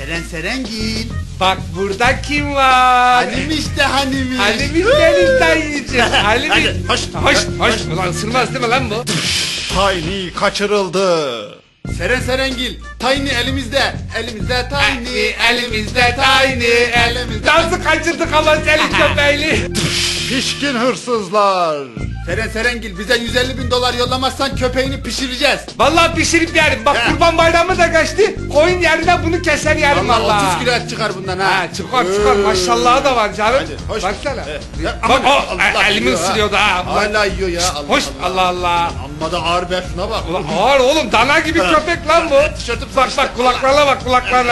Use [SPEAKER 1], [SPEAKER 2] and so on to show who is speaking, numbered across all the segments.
[SPEAKER 1] Serengil.
[SPEAKER 2] Bak burada kim var?
[SPEAKER 1] Halim işte Halim.
[SPEAKER 2] Halim benim dayıcım. Halim.
[SPEAKER 1] Hadi, hoş.
[SPEAKER 2] Hoş. Ulan ısırmaz değil mi lan bu?
[SPEAKER 3] Tiny kaçırıldı.
[SPEAKER 1] Serengil. Tiny elimizde. Elimizde Tiny.
[SPEAKER 2] Elimizde tiny.
[SPEAKER 1] Elimizde.
[SPEAKER 2] Dansı kaçırdık ama senin köpeğini.
[SPEAKER 3] Pişkin hırsızlar.
[SPEAKER 1] Serengil bize 150.000 dolar yollamazsan köpeğini pişireceğiz.
[SPEAKER 2] Vallahi pişirip yerim. Bak
[SPEAKER 1] He.
[SPEAKER 2] kurban bayramı da geçti. Koyun yerine bunu keser yerim
[SPEAKER 1] Vallahi
[SPEAKER 2] vallahi.
[SPEAKER 1] 30 kilo et çıkar bundan ha.
[SPEAKER 2] Ha çıkar maşallahı da var canım.
[SPEAKER 1] Hadi, hoş.
[SPEAKER 2] Baksana.
[SPEAKER 1] Ya,
[SPEAKER 2] Bak
[SPEAKER 1] aman,
[SPEAKER 2] o
[SPEAKER 1] Allah
[SPEAKER 2] elimi
[SPEAKER 1] yiyor ha.
[SPEAKER 2] ısırıyordu ha.
[SPEAKER 1] Hala yiyor ya.
[SPEAKER 2] Hoş Allah.
[SPEAKER 1] Amma da ağır be, şuna bak.
[SPEAKER 2] Ulan ağır oğlum, dana gibi köpek lan bu.
[SPEAKER 1] Tişörtüm
[SPEAKER 2] Bak kulaklarına bak kulaklarına.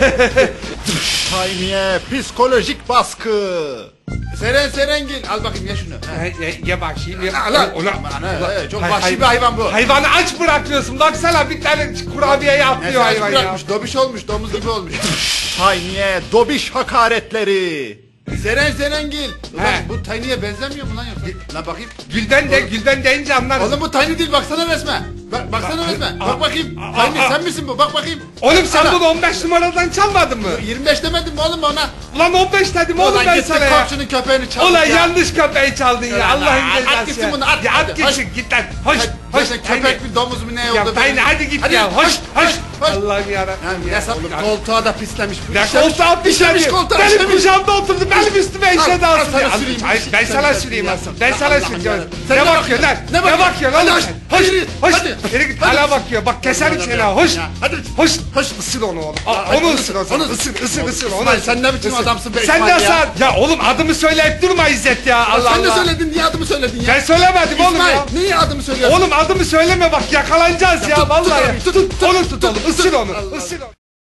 [SPEAKER 3] Tiny'e psikolojik baskı.
[SPEAKER 1] Serengil al bakayım ye şunu. Ha.
[SPEAKER 2] Ye bakayım. Ye.
[SPEAKER 1] Ulan,
[SPEAKER 2] Ulan.
[SPEAKER 1] çok vahşi bir hayvan bu.
[SPEAKER 2] Hayvanı aç bırakıyorsun. Baksana bir tane kurabiyeyi atlıyor
[SPEAKER 1] Neyse,
[SPEAKER 2] hayvan ya.
[SPEAKER 1] bırakmış, dobiş olmuş, domuz gibi olmuş.
[SPEAKER 3] Tiny'e dobiş hakaretleri.
[SPEAKER 1] Serengil. Ulan
[SPEAKER 2] He.
[SPEAKER 1] bu Tiny'ye benzemiyor mu lan yoksa? Lan bakayım.
[SPEAKER 2] Gülden deyince anlarız.
[SPEAKER 1] Oğlum bu Tiny değil, baksana resme. Baksana resme. Bak bakayım. Tiny sen misin bu? Bak bakayım.
[SPEAKER 2] Oğlum sen
[SPEAKER 1] Ana.
[SPEAKER 2] bunu 15 numaradan çalmadın mı?
[SPEAKER 1] 25 demedim mi oğlum ona?
[SPEAKER 2] Ulan 15 dedim oğlum
[SPEAKER 1] Ulan
[SPEAKER 2] ben
[SPEAKER 1] gittin
[SPEAKER 2] sana ya.
[SPEAKER 1] komşunun köpeğini çaldın
[SPEAKER 2] Ulan
[SPEAKER 1] ya.
[SPEAKER 2] yanlış köpeği çaldın ya. Allah'ın
[SPEAKER 1] At
[SPEAKER 2] cezası
[SPEAKER 1] gitsin
[SPEAKER 2] ya.
[SPEAKER 1] bunu, at.
[SPEAKER 2] Ya
[SPEAKER 1] Hadi,
[SPEAKER 2] at gitsin git lan. Hoş.
[SPEAKER 1] Köpek bir domuz mu ne
[SPEAKER 2] Ya
[SPEAKER 1] oldu?
[SPEAKER 2] Tiny hadi git
[SPEAKER 1] Hadi,
[SPEAKER 2] ya. Hoş.
[SPEAKER 1] hoş.
[SPEAKER 2] Allah'ım yarabbim.
[SPEAKER 1] Ya oğlum koltuğa da pislemiş.
[SPEAKER 2] Ya koltuğa
[SPEAKER 1] işemiş
[SPEAKER 2] pişmiş.
[SPEAKER 1] koltuğa
[SPEAKER 2] Benim
[SPEAKER 1] işemiş.
[SPEAKER 2] kucağımda oturdu. Benim üstüme işedi
[SPEAKER 1] Al,
[SPEAKER 2] aslında.
[SPEAKER 1] sana süreyim.
[SPEAKER 2] Ben sana süreyim
[SPEAKER 1] Ya.
[SPEAKER 2] aslında. Ben sana
[SPEAKER 1] Allah'ım
[SPEAKER 2] süreceğim.
[SPEAKER 1] yarabbim. Sen
[SPEAKER 2] Ne
[SPEAKER 1] ne
[SPEAKER 2] bakıyorsun lan?
[SPEAKER 1] bakıyorsun?
[SPEAKER 2] Ne bakıyorsun
[SPEAKER 1] Hadi,
[SPEAKER 2] oğlum
[SPEAKER 1] hoş,
[SPEAKER 2] sen? Hoş.
[SPEAKER 1] yürü,
[SPEAKER 2] Hoş.
[SPEAKER 1] hadi.
[SPEAKER 2] Yürü git
[SPEAKER 1] Hadi.
[SPEAKER 2] hala bakıyor. Bak keserim
[SPEAKER 1] Hadi,
[SPEAKER 2] seni
[SPEAKER 1] hadi.
[SPEAKER 2] ha. Hoş.
[SPEAKER 1] Ya, hadi.
[SPEAKER 2] Hoş.
[SPEAKER 1] Hoş.
[SPEAKER 2] Isır onu oğlum.
[SPEAKER 1] Hadi,
[SPEAKER 2] Onu
[SPEAKER 1] onu
[SPEAKER 2] ısır o
[SPEAKER 1] ısır,
[SPEAKER 2] zaman.
[SPEAKER 1] onu
[SPEAKER 2] Isır onu.
[SPEAKER 1] İsmail, sen ne biçim
[SPEAKER 2] Isır.
[SPEAKER 1] adamsın be
[SPEAKER 2] Sen
[SPEAKER 1] İsmail
[SPEAKER 2] de
[SPEAKER 1] ya?
[SPEAKER 2] sen. Ya oğlum adımı söyleyip durma İzzet ya. Allah
[SPEAKER 1] Sen de
[SPEAKER 2] Allah.
[SPEAKER 1] söyledin, niye adımı söyledin ya?
[SPEAKER 2] Ben söylemedim oğlum
[SPEAKER 1] İsmail,
[SPEAKER 2] ya.
[SPEAKER 1] niye adımı söylüyorsun?
[SPEAKER 2] Oğlum adımı söyleme bak yakalanacağız ya
[SPEAKER 1] tut
[SPEAKER 2] vallahi.
[SPEAKER 1] abi, tut,
[SPEAKER 2] Onu tut oğlum. Isır onu.
[SPEAKER 1] Allah
[SPEAKER 2] Isır onu.